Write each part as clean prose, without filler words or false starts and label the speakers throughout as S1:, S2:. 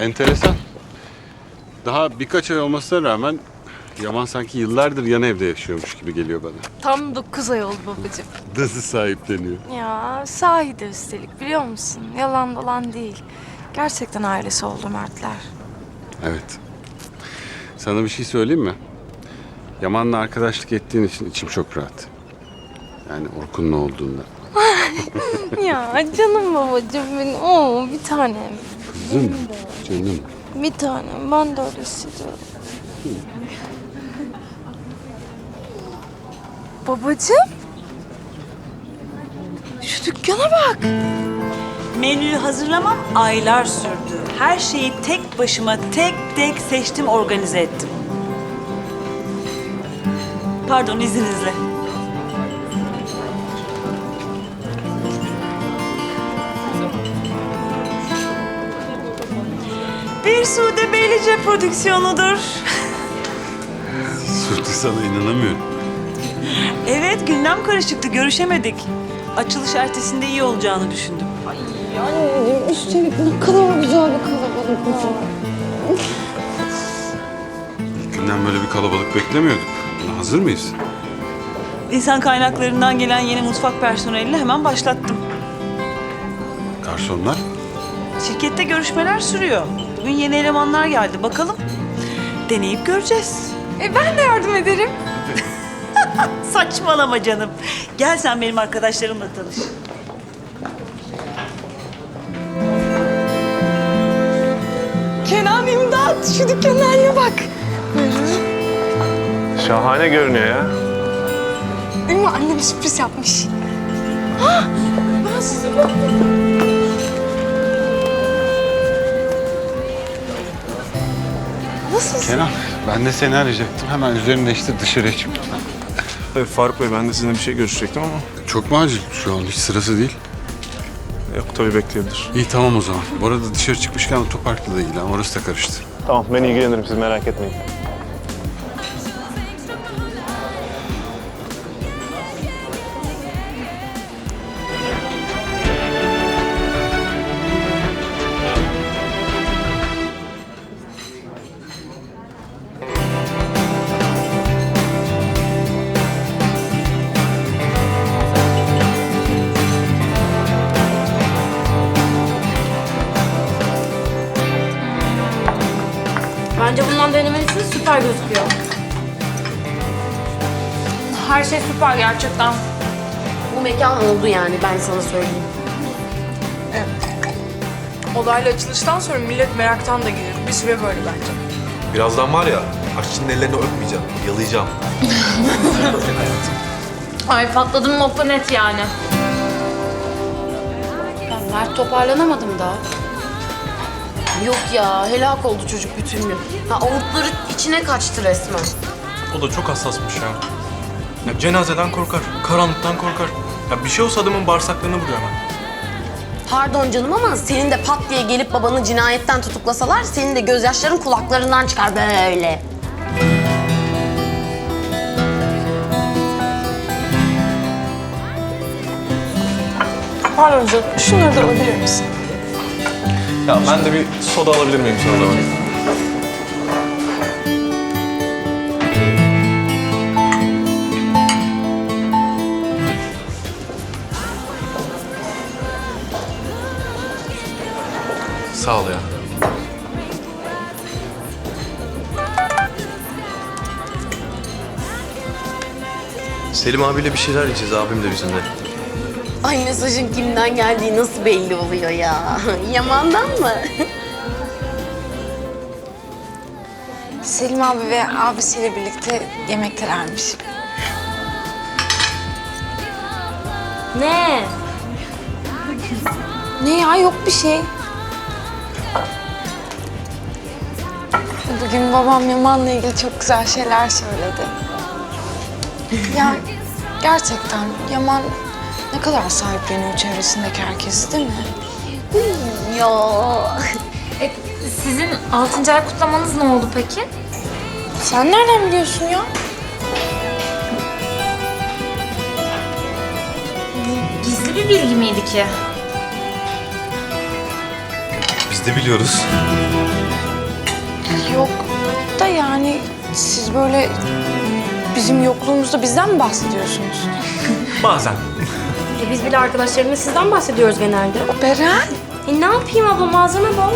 S1: enteresan. Daha birkaç ay olmasına rağmen Yaman sanki yıllardır yan evde yaşıyormuş gibi geliyor bana.
S2: Tam 9 ay oldu babacığım.
S1: Nasıl sahipleniyor?
S2: Ya sahi de üstelik biliyor musun? Yalan dolan değil. Gerçekten ailesi oldu Mertler.
S1: Evet. Sana bir şey söyleyeyim mi? Yaman'la arkadaşlık ettiğin için içim çok rahat. Yani Orkun'un olduğunda.
S2: Ya canım babacığım benim. Oo bir tanem.
S1: Kızım, canım.
S2: Bir tanem. Ben de öyle hissediyorum. Babacığım. Şu dükkana bak.
S3: Menüyü hazırlamam aylar sürdü. Her şeyi tek başıma tek tek seçtim, organize ettim. Pardon, izninizle. Bir Sude Beylice prodüksiyonudur.
S1: Sude sana inanamıyorum.
S3: Evet, gündem karışıktı, görüşemedik. Açılış ertesinde iyi olacağını düşündüm.
S2: Anneciğim üstelik ne kadar güzel bir kalabalık var.
S1: İlk günden böyle bir kalabalık beklemiyorduk. Buna hazır mıyız?
S3: İnsan kaynaklarından gelen yeni mutfak personeliyle hemen başlattım.
S1: Garsonlar?
S3: Şirkette görüşmeler sürüyor. Bugün yeni elemanlar geldi. Bakalım. Deneyip göreceğiz.
S2: Ben de yardım ederim.
S3: Saçmalama canım. Gel sen benim arkadaşlarımla tanış.
S2: Kenan imdat şu dükkanın haline bak.
S4: Şahane görünüyor ya.
S2: Ümmü annem sürpriz yapmış. Ha, ben size bakayım. Nasılsın?
S1: Kenan, ben de seni arayacaktım. Hemen üzerini değiştir dışarıya çık.
S4: Tabii Faruk Bey, ben de sizinle bir şey görüşecektim ama
S1: Çok mu acil? Şu an hiç sırası değil.
S4: yok, tabii bekleyebilir.
S1: İyi tamam o zaman. Bu arada dışarı çıkmışken otoparkla da ilgilen. Orası da karıştı.
S4: Tamam, ben ilgilenirim, siz merak etmeyin.
S5: Bence bundan denemelisiniz, süper gözüküyor. Her şey süper gerçekten. Bu mekan oldu yani, ben sana söyleyeyim.
S6: Olayla açılıştan sonra millet meraktan da gelir. Bir süre böyle bence.
S7: Birazdan var ya, aşçının ellerini öpmeyeceğim, yalayacağım.
S5: Ay patladım nokta net yani.
S8: Ya Mert toparlanamadım daha.
S5: Yok ya, helak oldu çocuk bütün gün. Ha, avurtları içine kaçtı resmen.
S7: O da çok hassasmış ya. Ya cenazeden korkar, karanlıktan korkar. Ya bir şey olsa adamın bağırsaklarını vuruyor hemen.
S5: Pardon canım ama senin de pat diye gelip babanı cinayetten tutuklasalar senin de gözyaşların kulaklarından çıkar böyle.
S6: Pardon canım, şunları da alabilir misin?
S7: Ya ben de bir soda alabilir miyim sana zaman? Sağ ol ya. Selim abiyle bir şeyler yiyeceğiz, abim de bizimle.
S5: Ay mesajın kimden geldiği nasıl belli oluyor ya? Yaman'dan mı?
S2: Selim abi ve abisiyle birlikte yemektelermiş.
S5: Ne?
S2: Ne ya yok bir şey. Bugün babam Yaman'la ilgili çok güzel şeyler söyledi. Ya gerçekten Yaman ne kadar sahipleniyor çevresindeki herkesi değil mi?
S5: Ya.
S9: Sizin 6. ay kutlamanız ne oldu peki?
S2: Sen nereden biliyorsun ya?
S9: Gizli bir bilgi miydi ki?
S7: Biz
S10: Biz de biliyoruz.
S2: Yok da yani siz böyle bizim yokluğumuzda bizden mi bahsediyorsunuz?
S7: Bazen.
S5: Biz bile arkadaşlarımla sizden bahsediyoruz genelde.
S2: Beren.
S5: Ne yapayım abla, malzeme bol.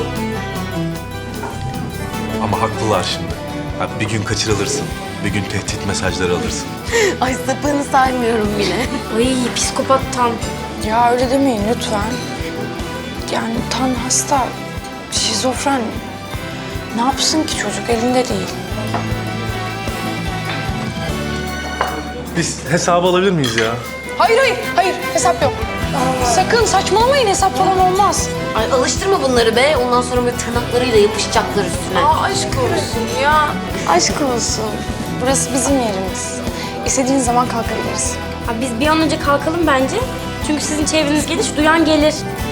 S10: Ama haklılar şimdi. Ha, bir gün kaçırılırsın. Bir gün tehdit mesajları alırsın.
S5: Ay sapığını saymıyorum bile. Ay psikopat tam.
S2: Ya öyle demeyin lütfen. Yani Tan hasta, şizofren. Ne yapsın ki çocuk, elinde değil.
S4: Biz hesabı alabilir miyiz ya?
S2: Hayır hesap yok. Sakın saçmalamayın, hesap falan olmaz.
S5: Ay alıştırma bunları be. Ondan sonra böyle tırnaklarıyla yapışacaklar üstüne.
S2: Aşk olsun ya. Aşk olsun. Burası bizim yerimiz. İstediğiniz zaman kalkabiliriz.
S5: Biz bir an önce kalkalım bence. Çünkü sizin çevreniz geniş, duyan gelir.